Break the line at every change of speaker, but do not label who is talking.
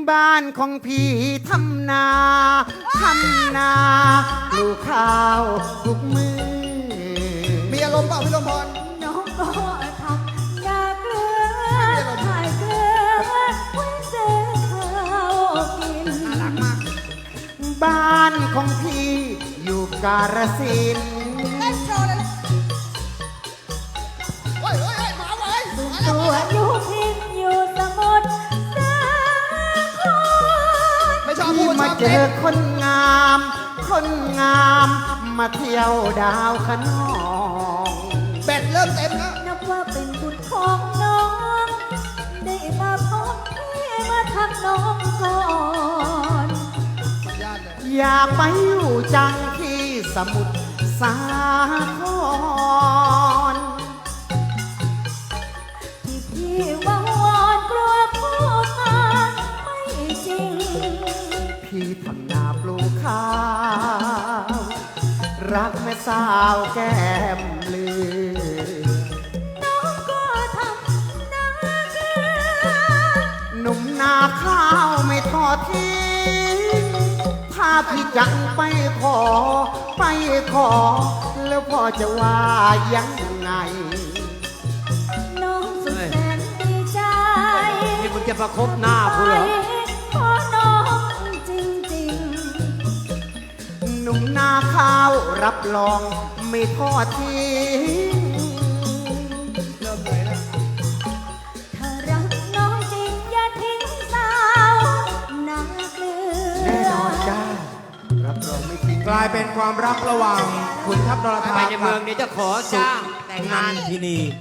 บ้านของพี่ทำนาปลูกข้าวทุกมือ
มีอารมณ์เปล่าพี่ลมพร
น้องก็ทำนาเกลือขายเกลือไว้ซื้อข้าวกิน
น่ารักมาก
บ้านของพี่อยู่กาฬสินธุ์
เล่นโชว์เลยโอ้ยมาไว้
ตัวอยู่พินอยู่สมุทรสาคร
ไม่ชอบพู
พี่
ด
มาเจอคนงามมาเที่ยวดาวขนอง
แบตเริ่มเต็มแล้ว
นับว่าเป็นบุญของน้องได้มาพบพี่มาทักน้องก่อน
อยากไปอยู่จังที่สมุทรสาคร
ที่พี่วังวอนกลัวผู้มาไม่จริง
พี่ทำนาปลูกข้าวรักแม่สาวแก้มลือ
น้องก็ทำนาเกลือ
หนุ่มนาข้าวไม่ทอดทิ้งถ้าพี่จังไปขอแล้วพ่อจะว่ายังไง
น้องสุดแสนดีใจ
นี่มึงจะประคบหน้ากูเหรอ
ขอน้องจริง
หนุ่มนาข้าวรับรองไม่ทอดทิ้ง
เริ่มเลยแล้ว
ถ้ารักน้องจริงอย่าทิ้งสาวนาเกลือ
แน่นอนจ้ารับรองไม่ทิ้ง
กลายเป็นความรักระหว่างขุนทัพนรธา
ไปในเมืองเดี๋ยวจะขอจ้างแต่งงาน
ที่นี่